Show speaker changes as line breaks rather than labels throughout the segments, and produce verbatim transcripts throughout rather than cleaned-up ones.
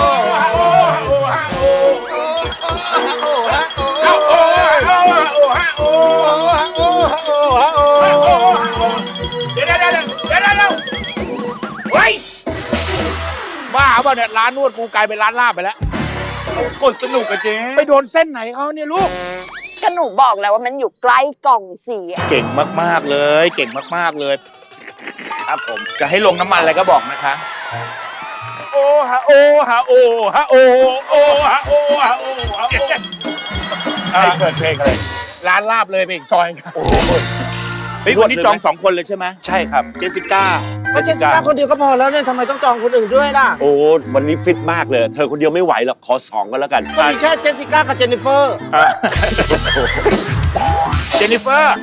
ฮะโอ้ฮะโอ้ฮะโอ้เอาโอ้ฮะโอ้ฮะโอ้ฮะโอ้เดี๋ยวเดี๋ยวเดี๋ยวเดี๋ยวเดี๋ยวเฮ้ยบ้าเปล่าเนี่ยร้านนวดกูกลายเป็นร้านลาบไปแล้วกดสนุกกับเจ๊ไปโดนเส้นไหนเขาเนี่ยลูก
ก็หนูบอกแล้วว่ามันอยู่ใกล้กล่องเสีย
เก่งมากๆเลย เก่งมากๆเลย ครับผมจะให้ลงน้ำมันอะไรก็บอกนะคะ โอ้ฮะโอ้ฮะโอ้ฮะโอ้โอ้ฮะโอ้ฮะโอ้ฮะโอ้ใครเปิดเพลงอะไรร้านลาบเลยไปอีกซอยครับโอ้เฮ้ยวันนี้จองสองคนเลยใช่ไหม
ใช่ครับ
เจสสิก้า
ก็เจสสิก้าคนเดียวก็พอแล้วเนี่ยทำไมต้องจองคนอื่นด้วยล่ะ
โอ้วันนี้ฟิตมากเลย เธอคนเดียวไม่ไหวหรอกขอสองก็แล้วกัน
ก็มีแค่เจสสิก้ากับเจนนิเฟอร์
เจนนิเฟอร์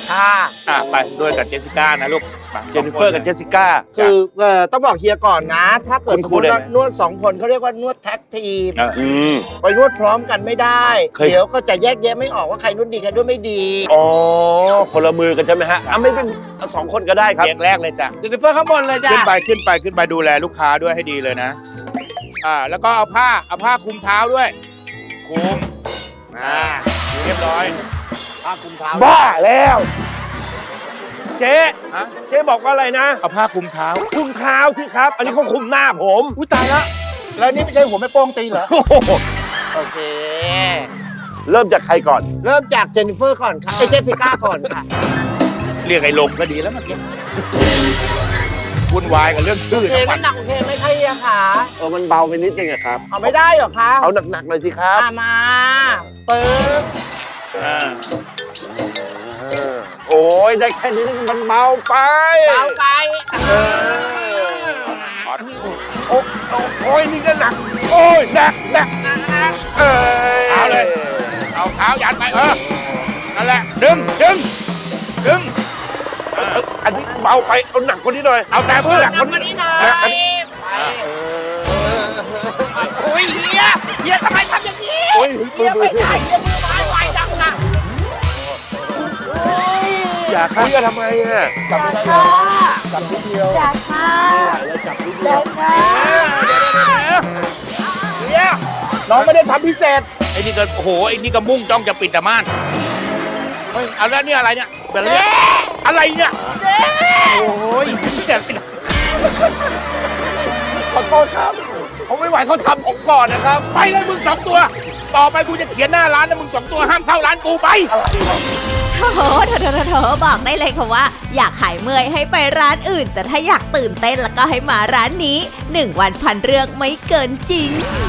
ค่ะ
อ่ะไปด้วยกับเจสสิก้านะลูกมา
เจนนิเฟอร์กับเจสสิก้า
คือเอ่อต้องบอกเฮียก่อนนะ ถ้าเกิด
คุณ
สม
ครู
มติ
ได้
ว่า
ไหม
นวดสองคนเขาเรียกว่านวดแท็กทีม
เออ
อืม
ไปนวดพร้อมกันไม่ได้
เคย
เดี๋ยวก็จะแยกแยะไม่ออกว่าใครนวดดีใครนวดไม่ดี
อ๋อ คนละมือกันใช่ไหมฮะอ่ะไม่เป็นเอาสองคนก็ได้ครับ
เรียงแรกเลยจ้ะ
เจนนิเฟอร์ข้างบนเลยจ้ะ
ขึ้นไปขึ้นไปขึ้นไปดูแลลูกค้าด้วยให้ดีเลยนะ อ่า แล้วก็เอาผ้าเอาผ้าคลุมเท้าด้วยคลุมอ่าเรียบร้อย
ผ้าคลุมเท้า
บ้าแล้ว เจ๊
ฮะ
เจ๊บอกว่าอะไรนะ
เอาผ้าคลุมเท้า
คลุมเท้าที่ครับ อันนี้เขาคลุมหน้าผม
อุ้ยตายแล้วแล้วนี่ไม่ใช่หัวแม่โป้งตีเหรอ
โอ้โห
โอเค
เริ่มจากใครก่อน
เริ่มจากเจนนิเฟอร์ก่อนค่ะไอยเจสสิก้าก่อนค่ะ
เรียกไอ้ลมก็ดีแล้วเมื่อกี้วุ่นวายกับเรื่อง
โอ
ชื่อ
เค
ทั้งวั
น้ำหนักโอเคไหมคะเฮียคะ
เออ มันเบาไปนิดนึงอะครับ
เอาไม่ได้เหรอคะ
เอาหนักๆหน่อยสิครับ
อ่ะมาปึ๊บ
อ่า
เออโอ้ยได้แค่นี้มันเบาไป
เบาไป
เออโอ้โอ้โอ้ยนี่ก็หนัก โอ้ยหนักหนักเออ
เอาเลย เอาเท้ายันไปเออ นั่นแหละ ดึง ดึง ดึง
เอออันนี้เบาไป เอาหนักกว่านี้หน่อย
เอาแต่เพื่อ
ทำมานี่หน่อย
หนักกว่านี้
โอ้ยเฮียเฮียทำไมทำอย่างนี้
โอ้ย
เฮียไม่ได้เฮียมือไม้ไวจังนะโอ้ย
อย่าครับทำไมอ่ะ
จับไม่ได้จับนิดเดียวจับค่ะจับนิดเดียว
เดี๋ยวน้องไม่ได้ทำพิเศษ ไอ้นี่ก็โอ้โห ไอ้นี่ก็มุ่งจ้องจะปิดแต่ม่าน เฮ้ย เอาแล้วเนี่ยอะไรเนี่ยเป็นอะไรเนี่ยอะไรเนี่ยโอ้ยเจ็บไปหน่อย
ขอโทษครับ ผมไม่ไหวเขาทำผมก่อนนะครับ
ไปเลยมึงสองตัว ต่อไปกูจะเขียนหน้าร้านนะมึงสองตัวห้ามเข้าร้านกูไป
โถโถโถโถโถบอกได้เลยค่ะว่า อยากหายเมื่อยให้ไปร้านอื่น แต่ถ้าอยากตื่นเต้นแล้วก็ให้มาร้านนี้หนึ่งวันพันเรื่องไม่เกินจริง